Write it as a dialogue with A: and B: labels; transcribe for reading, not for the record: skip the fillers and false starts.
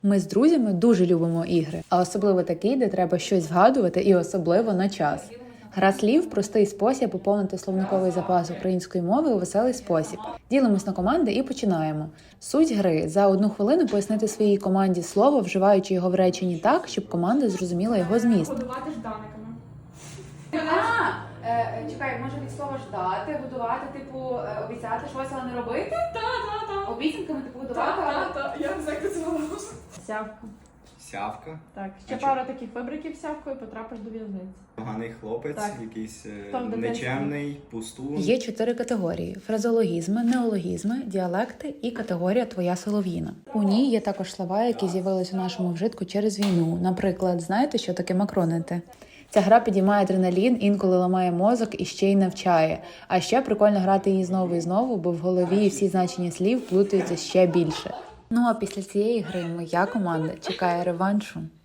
A: Ми з друзями дуже любимо ігри, а особливо такі, де треба щось згадувати і особливо на час. Гра слів – простий спосіб поповнити словниковий запас української мови у веселий спосіб. Ділимось на команди і починаємо. Суть гри – за 1 хвилину пояснити своїй команді слово, вживаючи його в реченні так, щоб команда зрозуміла його зміст.
B: Годувати жданиками.
C: Чекай, може від слова ждати, годувати, типу, обіцяти щось, але не робити?
B: Та.
C: Обіцянками, типу, годувати, але...
B: Я не знаю, як це називалося.
D: Сявка.
E: Сявка.
D: Так, ще
E: А
D: пару таких вибриків сявкою, потрапиш до в'язниці.
E: Поганий хлопець,
D: Так.
E: якийсь
D: Хто в дитинстві?
E: нечемний, пустун.
A: Є 4 категорії – фразеологізми, неологізми, діалекти і категорія «Твоя солов'їна». У ній є також слова, які з'явились у нашому вжитку через війну. Наприклад, знаєте, що таке макронити? Ця гра підіймає адреналін, інколи ламає мозок і ще й навчає. А ще прикольно грати її знову і знову, бо в голові всі значення слів плутаються ще більше. Ну а після цієї гри моя команда чекає реваншу.